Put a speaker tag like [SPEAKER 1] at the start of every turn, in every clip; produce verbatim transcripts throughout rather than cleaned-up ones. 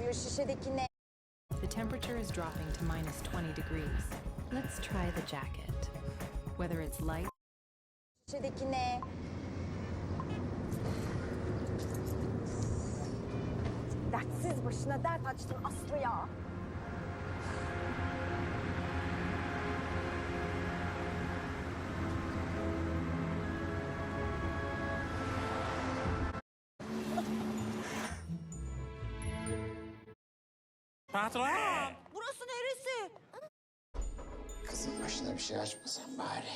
[SPEAKER 1] Şu şişedeki ne?
[SPEAKER 2] The temperature is dropping to minus twenty degrees. Let's try the jacket. Whether it's light.
[SPEAKER 1] Şişedeki ne? Dertsiz başına dert açtın Aslı ya.
[SPEAKER 3] Patron!
[SPEAKER 4] Burası neresi?
[SPEAKER 5] Kızın başına bir şey açmasan bari.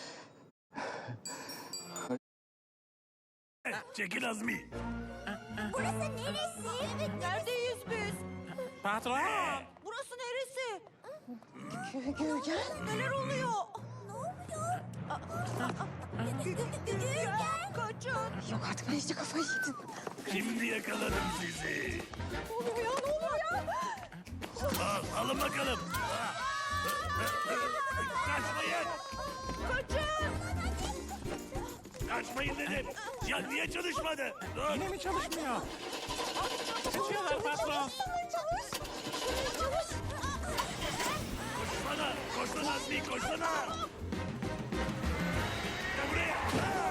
[SPEAKER 3] Çekil Azmi.
[SPEAKER 4] Burası neresi? Evet, neredeyiz biz?
[SPEAKER 3] Patron!
[SPEAKER 4] Burası neresi?
[SPEAKER 1] Gürgen.
[SPEAKER 4] Neler oluyor? Ne oluyor? Gürgen, kaçın.
[SPEAKER 1] Yok artık ben iyice kafayı yedim.
[SPEAKER 3] Şimdi yakaladım sizi.
[SPEAKER 1] Ne oluyor ya ne oluyor ya?
[SPEAKER 3] Al, alın bakalım. Kaçmayın.
[SPEAKER 4] Kaçın.
[SPEAKER 3] Kaçmayın dedim. Ya niye çalışmadı? Dur.
[SPEAKER 6] Yine mi çalışmıyor? Kaçıyorlar patron.
[SPEAKER 3] Koşsana. Koşsana Azmi koşsana. Gel buraya.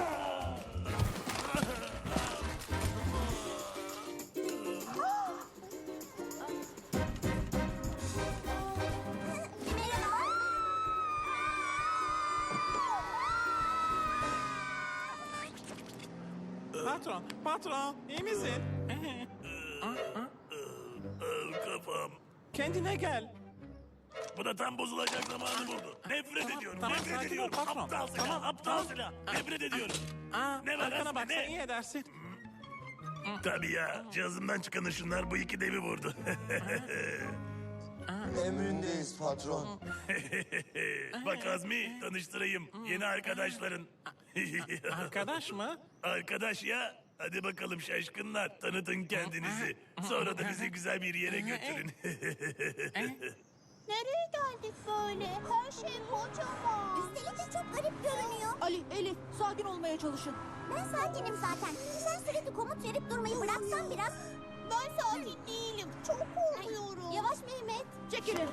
[SPEAKER 6] Patron, patron, iyi misin?
[SPEAKER 3] Kafam.
[SPEAKER 6] Kendine gel.
[SPEAKER 3] Bu da tam bozulacak zamanı buldu. Nefret ediyorum.
[SPEAKER 6] tamam,
[SPEAKER 3] nefret
[SPEAKER 6] sakin ol
[SPEAKER 3] ediyorum.
[SPEAKER 6] patron.
[SPEAKER 3] Aptal silah.
[SPEAKER 6] Tamam,
[SPEAKER 3] aptal silah. Nefret ediyorum.
[SPEAKER 6] Aa,
[SPEAKER 3] Ne var
[SPEAKER 6] arkana
[SPEAKER 3] Aslı,
[SPEAKER 6] baksan
[SPEAKER 3] ne?
[SPEAKER 6] iyi edersin.
[SPEAKER 3] Tabii ya. Cihazımdan çıkan ışınlar bu iki devi vurdu.
[SPEAKER 5] Emrindeyiz patron.
[SPEAKER 3] Bak Azmi tanıştırayım. Yeni arkadaşların.
[SPEAKER 6] Arkadaş mı?
[SPEAKER 3] Arkadaş ya. Hadi bakalım şaşkınlar. Tanıtın kendinizi. Sonra da bizi güzel bir yere götürün.
[SPEAKER 7] Nereye geldik böyle? Her şey kocaman. Üstelik de çok garip görünüyor.
[SPEAKER 4] Ali, Elif, sakin olmaya çalışın.
[SPEAKER 7] Ben sakinim zaten. Sen sürekli komut verip durmayı bıraksan biraz. Ben sakin değilim. Çok korkuyorum. Yavaş Mehmet.
[SPEAKER 4] Çekilin.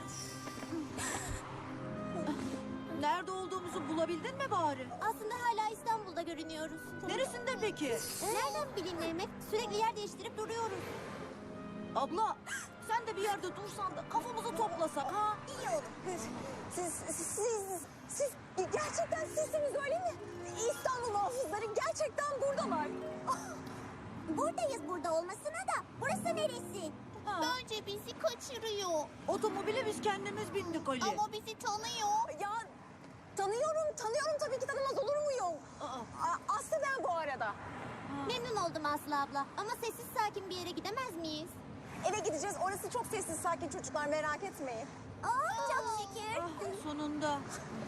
[SPEAKER 4] Nerede olduğumuzu bulabildin mi bari?
[SPEAKER 7] Aslında hala İstanbul'da görünüyoruz.
[SPEAKER 4] Neresinde peki?
[SPEAKER 7] Nereden bileyim Mehmet? Sürekli yer değiştirip duruyoruz.
[SPEAKER 4] Abla, sen de bir yerde dursan da kafamızı toplasak ha?
[SPEAKER 7] İyi olur.
[SPEAKER 1] Siz, siz, siz gerçekten sizsiniz öyle mi? İstanbul muhafızları gerçekten buradalar.
[SPEAKER 7] Buradayız burada olmasına da. Burası neresi?
[SPEAKER 4] Ha.
[SPEAKER 7] Bence bizi kaçırıyor.
[SPEAKER 4] Otomobile biz kendimiz bindik Ali.
[SPEAKER 7] Ama bizi tanıyor.
[SPEAKER 1] Ya tanıyorum, tanıyorum tabii ki tanımaz olur muyum?
[SPEAKER 4] Aa.
[SPEAKER 1] A- Aslı ben bu arada.
[SPEAKER 7] Memnun oldum Aslı abla. Ama sessiz sakin bir yere gidemez miyiz?
[SPEAKER 1] Eve gideceğiz. Orası çok sessiz, sakin çocuklar merak etmeyin.
[SPEAKER 7] Aa, çok şükür.
[SPEAKER 4] Ah, sonunda.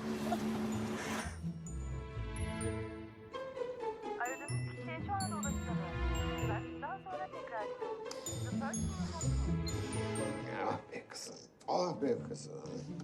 [SPEAKER 8] Aradığınız kişiye şu anda ulaşılamıyor. Lütfen daha sonra tekrar edin. The person you have-
[SPEAKER 5] Ah be kızım. Ah be kızım.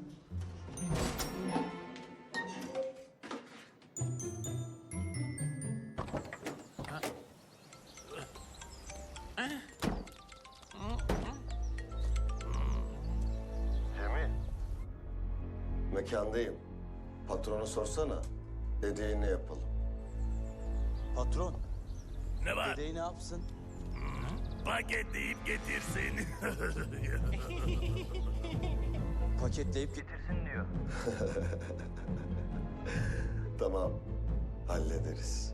[SPEAKER 9] Cemil. Mekandayım. Patronu sorsana. Dediğini yapalım.
[SPEAKER 10] Patron,
[SPEAKER 3] Ne var?
[SPEAKER 10] dedeyi ne yapsın?
[SPEAKER 3] Paketleyip getirsin.
[SPEAKER 10] Paketleyip git.
[SPEAKER 8] Getirsin diyor.
[SPEAKER 9] Tamam. Hallederiz.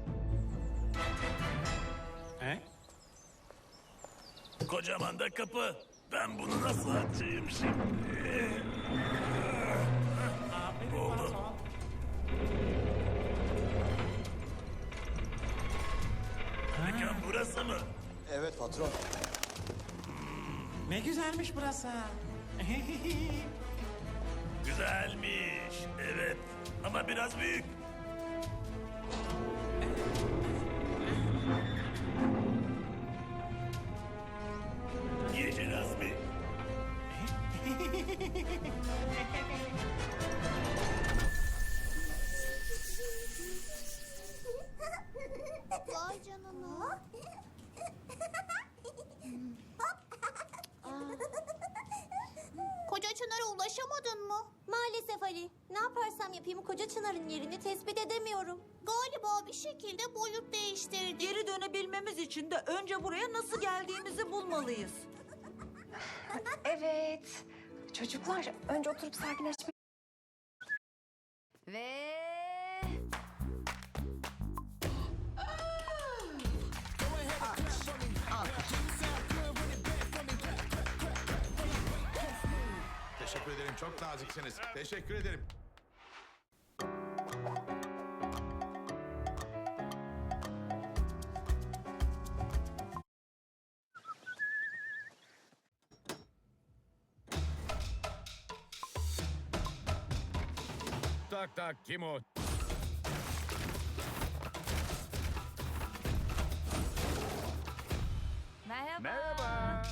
[SPEAKER 6] He?
[SPEAKER 3] Kocaman da kapı. Ben bunu nasıl açayım şimdi?
[SPEAKER 6] Aferin
[SPEAKER 3] Oldu.
[SPEAKER 6] patron.
[SPEAKER 3] Mekan burası mı?
[SPEAKER 10] Evet patron.
[SPEAKER 6] Ne güzelmiş burası.
[SPEAKER 3] Güzelmiş. Evet. Ama biraz büyük. Yeşil Azmi.
[SPEAKER 7] Vay canına. Maalesef Ali. Ne yaparsam yapayım koca Çınar'ın yerini tespit edemiyorum. Galiba bir şekilde boyut değiştirdi.
[SPEAKER 4] Geri dönebilmemiz için de önce buraya nasıl geldiğimizi bulmalıyız.
[SPEAKER 1] Evet. Çocuklar önce oturup sakinleşmek... Ve...
[SPEAKER 11] Teşekkür ederim. Çok naziksiniz. Teşekkür ederim.
[SPEAKER 6] Tak tak, kim o?
[SPEAKER 1] Merhaba.
[SPEAKER 6] Merhaba.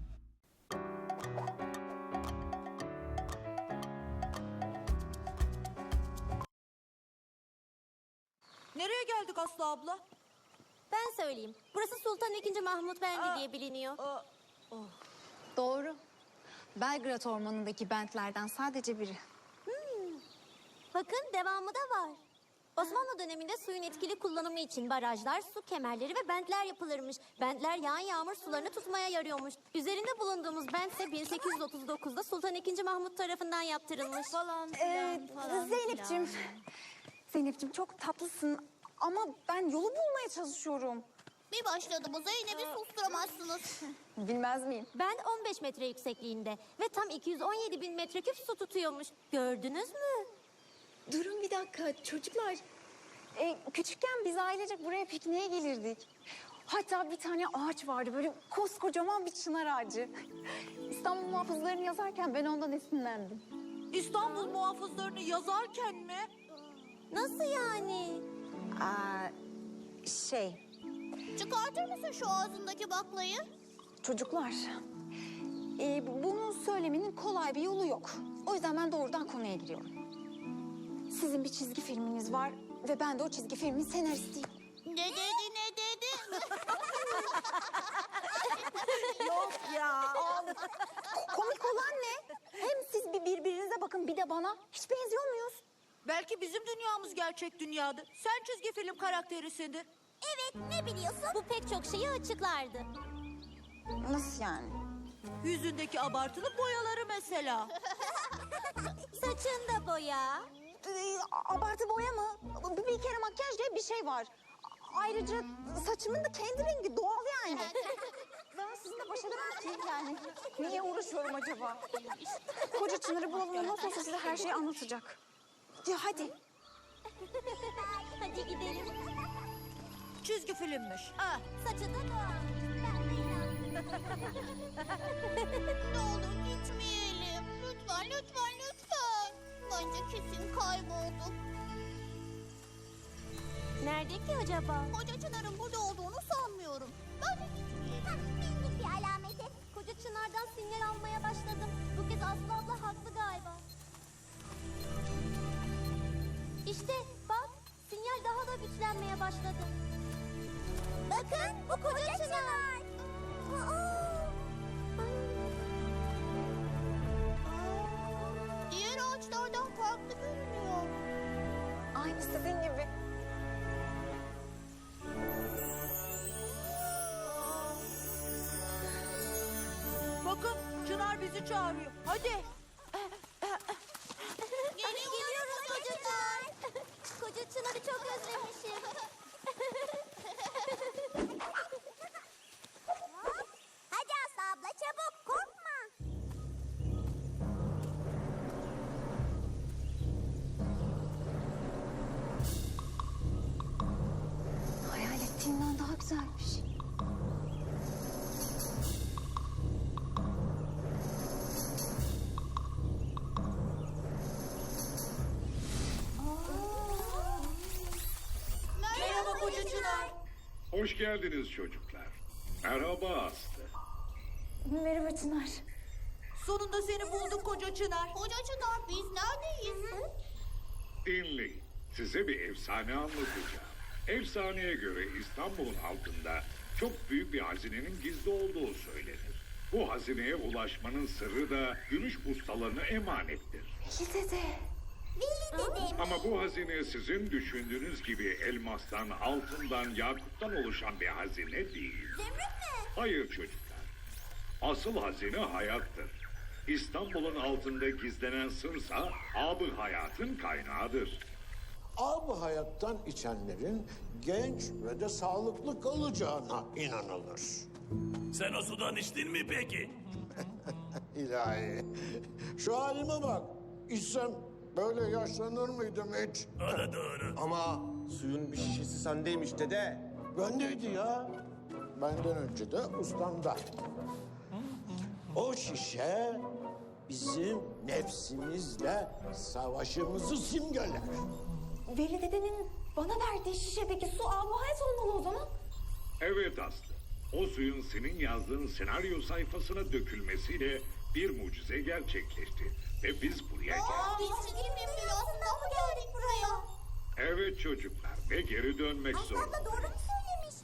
[SPEAKER 4] Nereye geldik Aslı abla?
[SPEAKER 7] Ben söyleyeyim. Burası Sultan ikinci. Mahmut Bendi diye biliniyor.
[SPEAKER 4] Aa,
[SPEAKER 1] Doğru. Belgrad Ormanı'ndaki bentlerden sadece biri.
[SPEAKER 7] Bakın devamı da var. Osmanlı döneminde suyun etkili kullanımı için barajlar, su kemerleri ve bentler yapılırmış. Bentler yağan yağmur sularını tutmaya yarıyormuş. Üzerinde bulunduğumuz bent ise bin sekiz yüz otuz dokuzda Sultan ikinci. Mahmut tarafından yaptırılmış.
[SPEAKER 4] falan
[SPEAKER 1] Ee,
[SPEAKER 4] filan falan
[SPEAKER 1] Zeynep'ciğim,
[SPEAKER 4] filan.
[SPEAKER 1] Zeynep'ciğim çok tatlısın ama ben yolu bulmaya çalışıyorum.
[SPEAKER 7] Bir başladığımı Zeynep'i susturamazsınız.
[SPEAKER 1] Bilmez miyim?
[SPEAKER 7] Bent on beş metre yüksekliğinde ve tam iki yüz on yedi bin metreküp su tutuyormuş. Gördünüz mü?
[SPEAKER 1] Durun bir dakika çocuklar. Ee, küçükken biz ailecek buraya pikniğe gelirdik. Hatta bir tane ağaç vardı böyle koskocaman bir çınar ağacı. İstanbul muhafızlarını yazarken ben ondan esinlendim.
[SPEAKER 4] İstanbul muhafızlarını yazarken mi?
[SPEAKER 7] Nasıl yani?
[SPEAKER 1] Aa, şey
[SPEAKER 7] Çıkartır mısın şu ağzındaki baklayı?
[SPEAKER 1] çocuklar e, bunu söylemenin kolay bir yolu yok. O yüzden ben doğrudan konuya giriyorum. Sizin bir çizgi filminiz var ve ben de o çizgi filmin senaristiyim.
[SPEAKER 7] Ne dedi ne dedi?
[SPEAKER 1] Yok ya. Komik olan ne? Hem siz bir birbirinize bakın bir de bana. Hiç benziyor muyuz?
[SPEAKER 4] Belki bizim dünyamız gerçek dünyadır. Sen çizgi film karakterisindir.
[SPEAKER 7] Evet ne biliyorsun? Bu pek çok şeyi açıklardı.
[SPEAKER 1] Nasıl yani?
[SPEAKER 4] Yüzündeki abartılı boyaları mesela.
[SPEAKER 7] Saçında boya.
[SPEAKER 1] Ee, abartı boya mı? Bir, bir kere makyaj diye bir şey var. Ayrıca saçımın da kendi rengi doğal yani. Ben sizinle baş edemem ki yani. Niye uğraşıyorum acaba? Koca Çınar'ı bulalım ondan sonra size her şeyi anlatacak. Ya hadi.
[SPEAKER 7] Hadi gidelim.
[SPEAKER 4] Çizgi filmmiş.
[SPEAKER 7] Ah, saçı da doğal. Ne olur gitmeyelim. Lütfen, lütfen, lütfen. Bence kesin kaybolduk. Nerede ki acaba? Koca Çınar'ın burada olduğunu sanmıyorum. Böyle gitmeyelim. Bildik bir alameti. Koca Çınar'dan sinyal almaya başladım. Bu kez Aslı abla haklı galiba. İşte bak, sinyal daha da güçlenmeye başladı. Bakın, bu Koca Çınar. Diğer ağaçlardan farklı görünüyor. Aynı sizin gibi.
[SPEAKER 4] Bakın Çınar bizi çağırıyor. Hadi.
[SPEAKER 7] Geliyoruz Koca Çınar. Koca Çınar'ı çok özlemişim. Hadi Aslı abla çabuk korkma.
[SPEAKER 1] Hayal ettiğimden daha güzelmiş.
[SPEAKER 4] Merhaba Koca Çınar.
[SPEAKER 12] Hoş geldiniz çocuklar. Merhaba Aslı.
[SPEAKER 1] Merhaba Çınar.
[SPEAKER 4] Sonunda seni bulduk Koca Çınar.
[SPEAKER 7] Koca Çınar biz neredeyiz?
[SPEAKER 12] Dinleyin. Size bir efsane anlatacağım. Efsaneye göre İstanbul'un altında çok büyük bir hazinenin gizli olduğu söylenir. Bu hazineye ulaşmanın sırrı da gümüş ustalarına emanettir.
[SPEAKER 1] İyi dede.
[SPEAKER 7] Veli dedim.
[SPEAKER 12] Ama bu hazine sizin düşündüğünüz gibi elmastan, altından, yakuttan oluşan bir hazine değil.
[SPEAKER 7] Zümrüt mü?
[SPEAKER 12] Hayır çocuklar. Asıl hazine hayattır. İstanbul'un altında gizlenen sırsa ab-ı hayatın kaynağıdır.
[SPEAKER 5] Ab hayattan içenlerin genç ve de sağlıklı kalacağına inanılır.
[SPEAKER 3] Sen o sudan içtin mi peki?
[SPEAKER 5] İlahi. Şu halime bak. İçsem böyle yaşlanır mıydım hiç?
[SPEAKER 3] O da doğru.
[SPEAKER 10] Ama suyun bir şişesi sendeymiş dede.
[SPEAKER 5] Bendeydi ya. Benden önce de ustamda. O şişe bizim nefsimizle savaşımızı simgeler.
[SPEAKER 1] Veli dedenin bana verdiği şişedeki su ab hayat olmalı o zaman.
[SPEAKER 12] Evet Aslı. O suyun senin yazdığın senaryo sayfasına dökülmesiyle bir mucize gerçekleşti. Ve biz buraya geldik.
[SPEAKER 7] Biz çekim rüyasından mı geldik buraya?
[SPEAKER 12] Evet çocuklar ve geri dönmek zorunda.
[SPEAKER 7] Abla doğru mu söylemiş?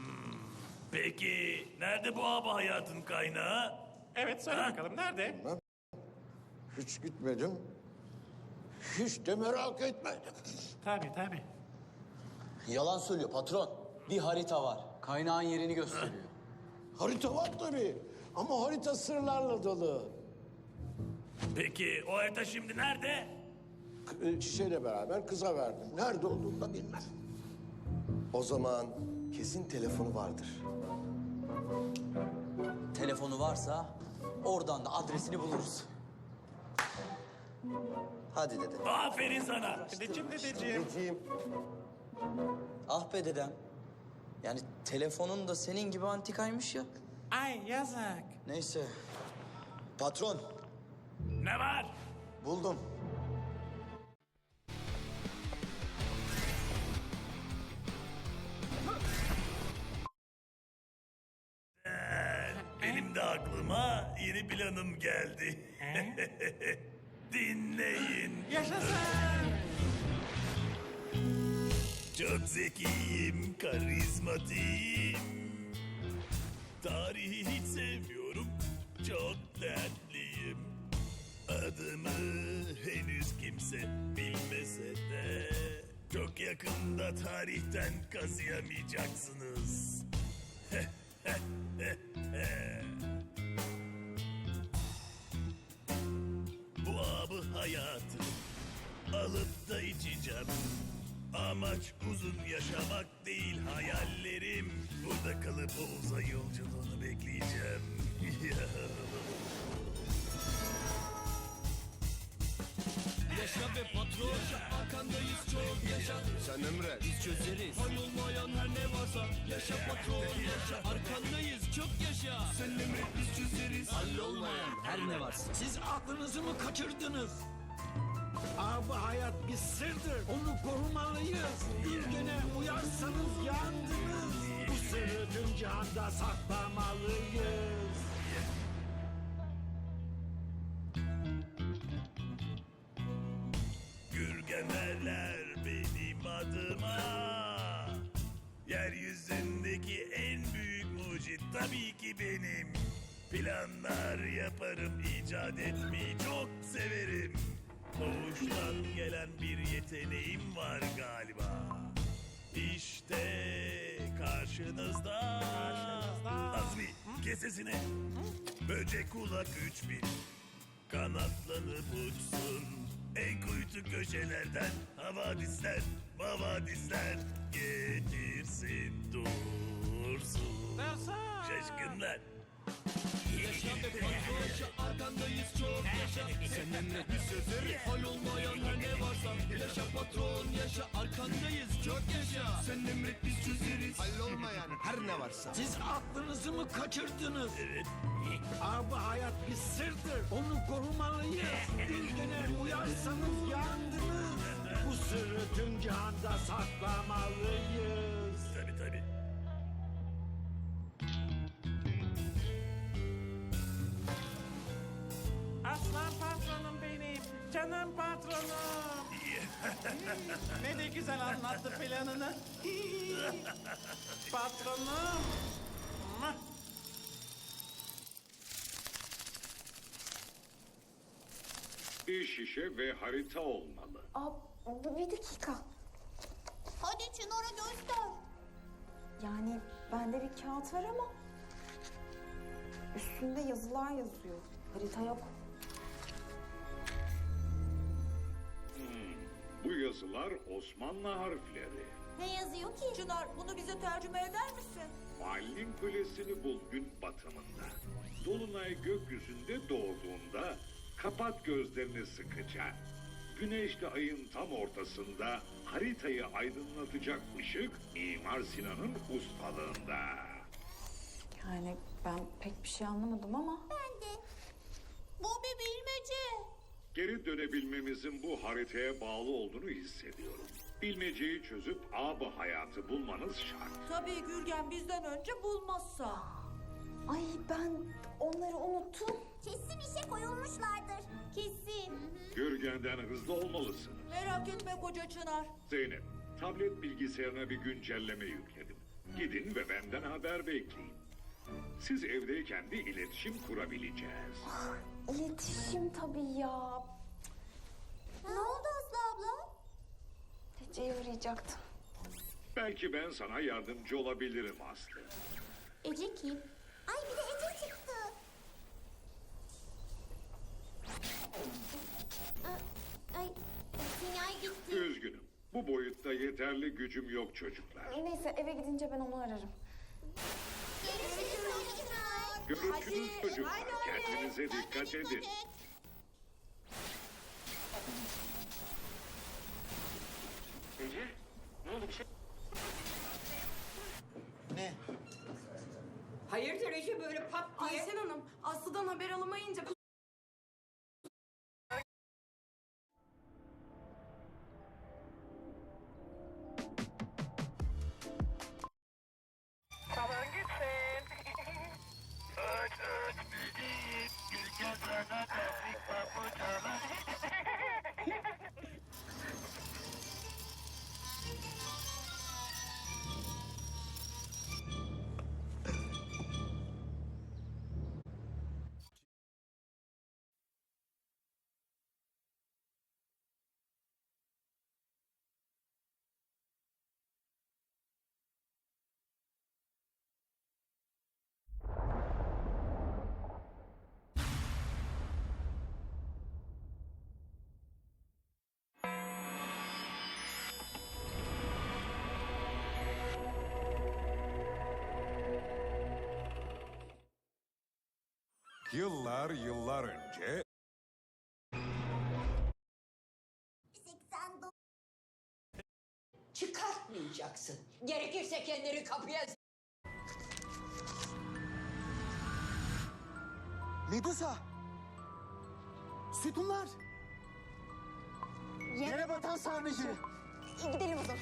[SPEAKER 3] Peki nerede bu abi hayatın kaynağı?
[SPEAKER 6] Evet söyle
[SPEAKER 3] Ha?
[SPEAKER 6] bakalım nerede?
[SPEAKER 5] Hiç gitmedim. Hiç de merak etmedim.
[SPEAKER 6] Tabii tabii.
[SPEAKER 10] Yalan söylüyor patron. Bir harita var. Kaynağın yerini gösteriyor.
[SPEAKER 5] Harita var tabii. Ama harita sırlarla dolu.
[SPEAKER 3] Peki o harita şimdi nerede?
[SPEAKER 5] K- e, Şişeyle beraber kıza verdim. Nerede olduğunu da bilmem.
[SPEAKER 9] O zaman kesin telefonu vardır.
[SPEAKER 10] Telefonu varsa oradan da adresini buluruz.
[SPEAKER 9] Hadi dede.
[SPEAKER 3] Aferin sana.
[SPEAKER 6] Dedeciğim dedeciğim.
[SPEAKER 9] Dediğim
[SPEAKER 10] Ah be dedem. Yani telefonun da senin gibi antikaymış ya.
[SPEAKER 6] Ay yazık.
[SPEAKER 10] Neyse. Patron,
[SPEAKER 3] Ne var?
[SPEAKER 10] buldum.
[SPEAKER 3] Benim de aklıma yeni planım geldi. Dinleyin.
[SPEAKER 6] Yaşasın.
[SPEAKER 3] Çok zekiyim, karizmatiyim. Tarihi hiç sevmiyorum, çok dertliyim. Adımı henüz kimse bilmese de çok yakında tarihten kazıyamayacaksınız. Bu abı hayatı alıp da içeceğim. Amaç uzun yaşamak değil hayallerim. Burada kalıp o uzay yolculuğunu bekleyeceğim.
[SPEAKER 10] Yaşa be patron, arkandayız çok yaşa. Sen emret, biz çözeriz. Olmayan her ne varsa, yaşa patron, yaşa. Arkandayız çok yaşa. Sen emret, biz çözeriz. Hallolmayan her ne varsa. Siz aklınızı mı kaçırdınız?
[SPEAKER 13] Abi hayat bir sırdır. Onu korumalıyız. Bir güne uyarsanız yandınız. Bu sırrı tüm cihanda saklamalıyız.
[SPEAKER 3] Gürgemerler benim adıma. Yeryüzündeki en büyük mucit tabii ki benim. Planlar yaparım, icat etmeyi çok severim. Doğuştan gelen bir yeteneğim var galiba. İşte karşınızda. Azmi, kes sesini. Böcek kulak üç bin. Kanatlanıp uçsun. En kuytu köşelerden havadisler, mavadisler getirsin dursun. Şaşkınlar.
[SPEAKER 10] Yaşa be patron, yaşa. Arkandayız çok yaşa. Sen emret, biz çözeriz. Hallolmayan her ne varsa. Yaşa patron, yaşa. Arkandayız çok yaşa. Sen emret, biz çözeriz. Hallolmayan her ne varsa.
[SPEAKER 13] Siz aklınızı mı kaçırdınız?
[SPEAKER 3] Evet.
[SPEAKER 13] Abi hayat bir sırdır. Onu korumalıyız. Bir güne uyarsanız yandınız. Bu sırrı tüm cihanda saklamalıyız.
[SPEAKER 3] Tabii tabii.
[SPEAKER 6] Aslan patronum benim. Canım patronum. Ne de güzel anlattı planını. Patronum.
[SPEAKER 12] Bir şişe ve harita olmalı.
[SPEAKER 1] Aa, bir dakika.
[SPEAKER 7] Hadi Çınar'a göster.
[SPEAKER 1] Yani bende bir kağıt var ama üstünde yazılar yazıyor. Harita yok.
[SPEAKER 12] Bu yazılar Osmanlı harfleri.
[SPEAKER 7] Ne yazıyor ki?
[SPEAKER 4] Çınar bunu bize tercüme eder misin?
[SPEAKER 12] Muallim Kulesi'ni bul gün batımında. Dolunay gökyüzünde doğduğunda kapat gözlerini sıkıca. Güneşle ayın tam ortasında haritayı aydınlatacak ışık Mimar Sinan'ın ustalığında.
[SPEAKER 1] Yani ben pek bir şey anlamadım ama.
[SPEAKER 7] Ben de. Bu bir bilmece.
[SPEAKER 12] Geri dönebilmemizin bu haritaya bağlı olduğunu hissediyorum. Bilmeceyi çözüp ab hayatı bulmanız şart.
[SPEAKER 4] Tabii Gürgen bizden önce bulmazsa.
[SPEAKER 1] Ay ben onları unuttum.
[SPEAKER 7] Kesin işe koyulmuşlardır. Kesin.
[SPEAKER 12] Gürgen'den hızlı olmalısınız.
[SPEAKER 4] Merak etme koca Çınar.
[SPEAKER 12] Zeynep, tablet bilgisayarına bir güncelleme yükledim. Gidin ve benden haber bekleyin. Siz evdeyken de iletişim kurabileceğiz.
[SPEAKER 1] İletişim tabii ya.
[SPEAKER 7] Ne oldu Aslı abla?
[SPEAKER 1] Ece'yi arayacaktım.
[SPEAKER 12] Belki ben sana yardımcı olabilirim Aslı.
[SPEAKER 7] Ece kim? Ay bir de Ece çıktı. Aa, Ay sinyal gitti.
[SPEAKER 12] Üzgünüm. Bu boyutta yeterli gücüm yok çocuklar.
[SPEAKER 1] Neyse eve gidince ben onu ararım.
[SPEAKER 7] Görüşürüz Çınar.
[SPEAKER 12] Görüşürüz çocuklar. Kendinize dikkat edin.
[SPEAKER 6] Ece, ne oldu bir şey?
[SPEAKER 5] Ne?
[SPEAKER 4] Hayırdır Ece böyle pat diye?
[SPEAKER 1] Ayşen Hanım, Aslı'dan haber alamayınca...
[SPEAKER 8] Salon gitsin. Öt öt bildiğin gülken sana tebrik papucalar.
[SPEAKER 11] Yıllar yıllar önce
[SPEAKER 7] seksen dokuz.
[SPEAKER 4] Çıkartmayacaksın. Gerekirse kendini kapıya...
[SPEAKER 5] Medusa! Sütunlar! Yere batan sarnıcı!
[SPEAKER 1] Gidelim o zaman.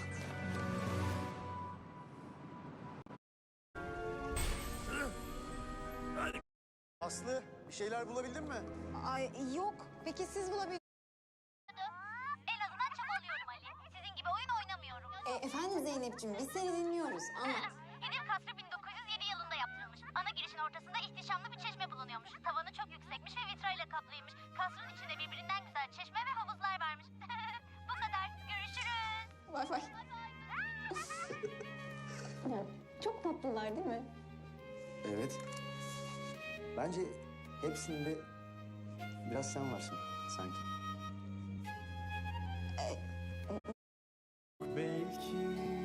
[SPEAKER 5] Aslı, bir şeyler bulabildin mi?
[SPEAKER 1] Ay yok. Peki siz bulabildiniz
[SPEAKER 7] En azından çabalıyorum Ali. Sizin gibi oyun oynamıyorum.
[SPEAKER 1] e, efendim Zeynep'ciğim biz seni dinliyoruz. Anlat.
[SPEAKER 7] Yedil Kasrı bin dokuz yüz yedi yılında yaptırılmış. Ana girişin ortasında ihtişamlı bir çeşme bulunuyormuş. Tavanı çok yüksekmiş ve vitrayla kaplıymış. Kasrın içinde birbirinden güzel çeşme ve havuzlar varmış. Bu kadar. Görüşürüz.
[SPEAKER 1] Bay bay. Ya, çok tatlılar değil mi?
[SPEAKER 5] Evet. Bence hepsinde biraz sen varsın sanki. Belki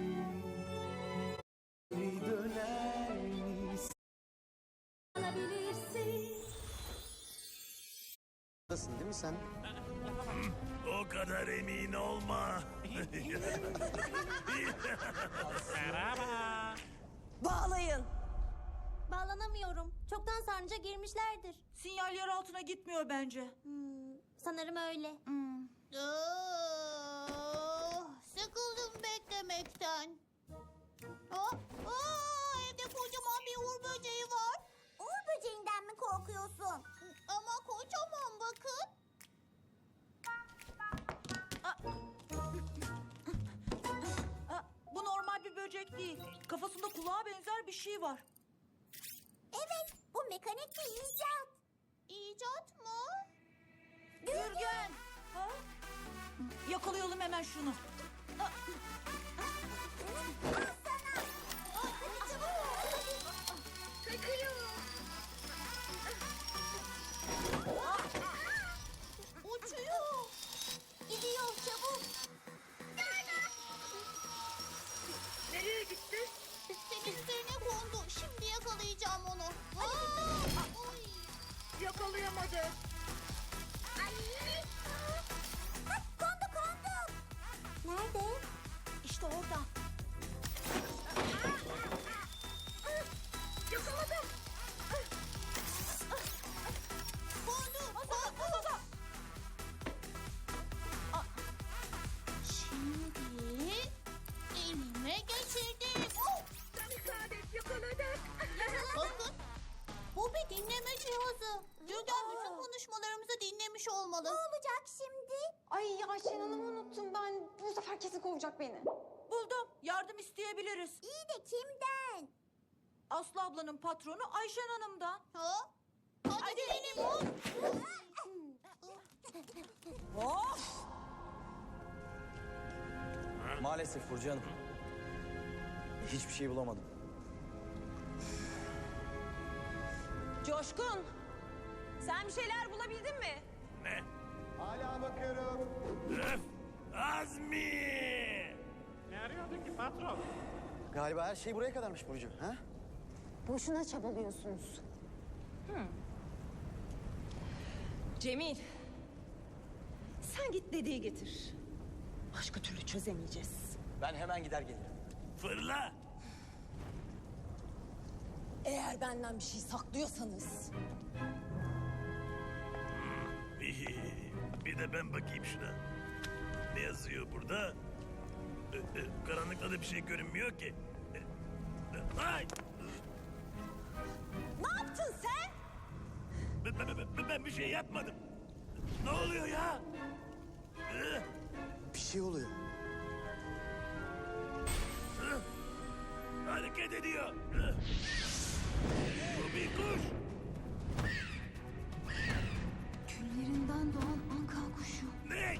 [SPEAKER 5] geri döner misin? Nasılsın değil mi sen?
[SPEAKER 3] O kadar emin olma.
[SPEAKER 6] Merhaba.
[SPEAKER 4] Bağlayın.
[SPEAKER 7] Bağlanamıyorum. Çoktan sarnıca girmişlerdir.
[SPEAKER 4] Sinyal yer altına gitmiyor bence.
[SPEAKER 7] Hmm, sanırım öyle. Sıkıldım beklemekten. Aa, aa, evde kocaman bir uğur böceği var. Uğur böceğinden mi korkuyorsun? Ama kocaman bakın.
[SPEAKER 4] Aa, bu normal bir böcek değil. Kafasında kulağa benzer bir şey var.
[SPEAKER 7] Evet, bu mekanik bir icat. İcat mı?
[SPEAKER 4] Gürgen! Yapalım hemen şunu.
[SPEAKER 7] Uçuyor. Gidiyor çabuk.
[SPEAKER 8] Nereye gitti?
[SPEAKER 7] Senin üzerine kondu. Şimdi yakalayacağım onu. Hadi. Oy.
[SPEAKER 8] Yakalayamadı.
[SPEAKER 7] Kondu kondu. Nerede?
[SPEAKER 1] İşte orada.
[SPEAKER 8] Yakaladım.
[SPEAKER 7] Kondu. Kondu. Şimdi elime geçirdim.
[SPEAKER 8] Sen müsaade et, yakaladık.
[SPEAKER 7] Bakın. Bu bir dinleme cihazı. Gürgen bütün konuşmalarımızı dinlemiş olmalı. Ne olacak şimdi?
[SPEAKER 1] Ay Ayşen Hanım'ı unuttum ben. Bu sefer kesin kovacak beni.
[SPEAKER 4] Buldum. Yardım isteyebiliriz.
[SPEAKER 7] İyi de kimden?
[SPEAKER 4] Aslı ablanın patronu Ayşen Hanım'dan.
[SPEAKER 7] Ha? Hadi, Hadi. benim.
[SPEAKER 4] Of!
[SPEAKER 14] Maalesef Burcu Hanım. Hiçbir şey bulamadım.
[SPEAKER 1] Coşkun. Sen bir şeyler bulabildin mi?
[SPEAKER 3] Ne?
[SPEAKER 9] Hala bakıyorum.
[SPEAKER 3] Öf! Azmi!
[SPEAKER 6] Ne arıyordun ki patron?
[SPEAKER 14] Galiba her şey buraya kadarmış Burcu. Ha?
[SPEAKER 1] Boşuna çabalıyorsunuz. Cemil. Sen git dediği getir. Başka türlü çözemeyeceğiz.
[SPEAKER 14] Ben hemen gider gelirim.
[SPEAKER 3] Fırla!
[SPEAKER 1] Eğer benden bir şey saklıyorsanız.
[SPEAKER 3] Bir de ben bakayım şuna. Ne yazıyor burada? Ee, e, Karanlıkta da bir şey görünmüyor ki. Ee, e, Ay!
[SPEAKER 1] Ne yaptın sen?
[SPEAKER 3] Ben, ben- ben- ben bir şey yapmadım. Ne oluyor ya? Ee,
[SPEAKER 14] Bir şey oluyor.
[SPEAKER 3] e, Hareket ediyor. Ee, Bu bir kuş.
[SPEAKER 1] Küllerinden doğan anka kuşu.
[SPEAKER 3] Ne?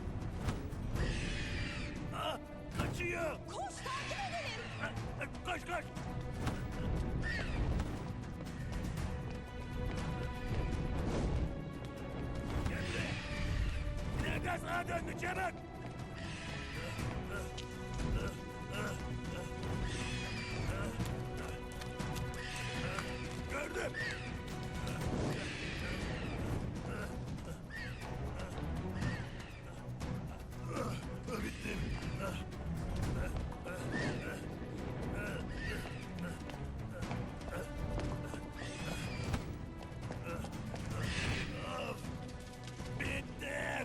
[SPEAKER 3] Ah, kaçıyor.
[SPEAKER 1] Koş takip edelim.
[SPEAKER 3] Ah, ah, Koş koş. Gel buraya. Nereden sağa döndü çabuk. Gördüm. Bittim. Of! Bittim.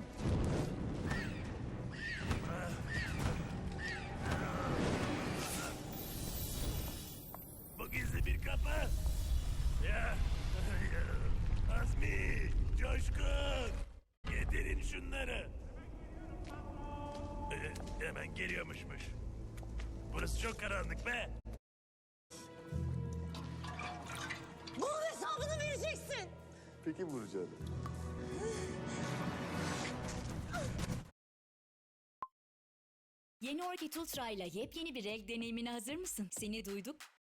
[SPEAKER 3] Bu gizli bir kapı. Ya. Azmi, Coşkun. Getirin şunları. Ee, hemen geliyormuşmuş. Burası çok karanlık be.
[SPEAKER 1] Bunun hesabını vereceksin.
[SPEAKER 9] Peki Burcu Hanım.
[SPEAKER 15] Yeni Orchid Ultra ile yepyeni bir renk deneyimine hazır mısın? Seni duyduk.